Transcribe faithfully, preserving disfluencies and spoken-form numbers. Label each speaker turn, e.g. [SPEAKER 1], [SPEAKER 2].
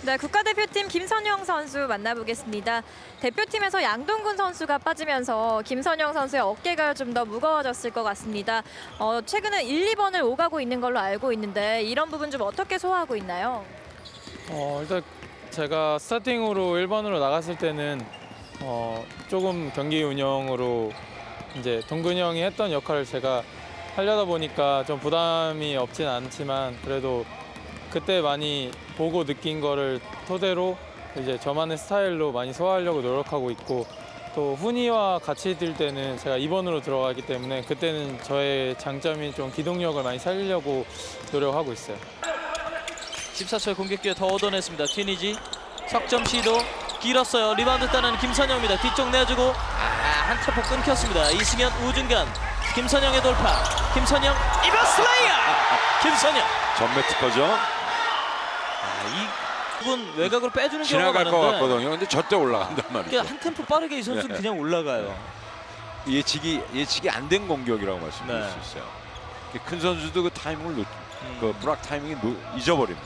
[SPEAKER 1] 네, 국가대표팀 김선영 선수 만나보겠습니다. 대표팀에서 양동근 선수가 빠지면서 김선영 선수의 어깨가 좀 더 무거워졌을 것 같습니다. 어, 최근에 일, 이 번을 오가고 있는 걸로 알고 있는데 이런 부분 좀 어떻게 소화하고 있나요?
[SPEAKER 2] 어, 일단 제가 스타팅으로 일 번으로 나갔을 때는 어, 조금 경기 운영으로 이제 동근이 형이 했던 역할을 제가 하려다 보니까 좀 부담이 없진 않지만 그래도 그때 많이 보고 느낀 거를 토대로 이제 저만의 스타일로 많이 소화하려고 노력하고 있고, 또 훈이와 같이 뛸 때는 제가 이 번으로 들어가기 때문에 그때는 저의 장점인 좀 기동력을 많이 살리려고 노력하고 있어요.
[SPEAKER 3] 십사 초의 공격 기회 더 얻어냈습니다. 튀니지 석점 시도 길었어요. 리바운드 따는 김선영입니다. 뒤쪽 내주고 아, 한 템포 끊겼습니다. 이승현 우중간 김선영의 돌파. 김선영 이버스 레이어. 김선영
[SPEAKER 4] 전매 특허죠.
[SPEAKER 3] 아, 이 부분 외곽으로 빼주는 경우가
[SPEAKER 4] 지나갈 것
[SPEAKER 3] 많은데
[SPEAKER 4] 같거든요. 근데 절대 올라간단 말이죠.
[SPEAKER 3] 그러니까 한 템포 빠르게 이 선수는
[SPEAKER 4] 네.
[SPEAKER 3] 그냥 올라가요.
[SPEAKER 4] 예측이 예측이 안 된 공격이라고 말씀드릴
[SPEAKER 3] 네.
[SPEAKER 4] 수 있어요. 큰 선수도 그 타이밍을 놓,
[SPEAKER 3] 음.
[SPEAKER 4] 그 브락 타이밍이 놓, 잊어버립니다.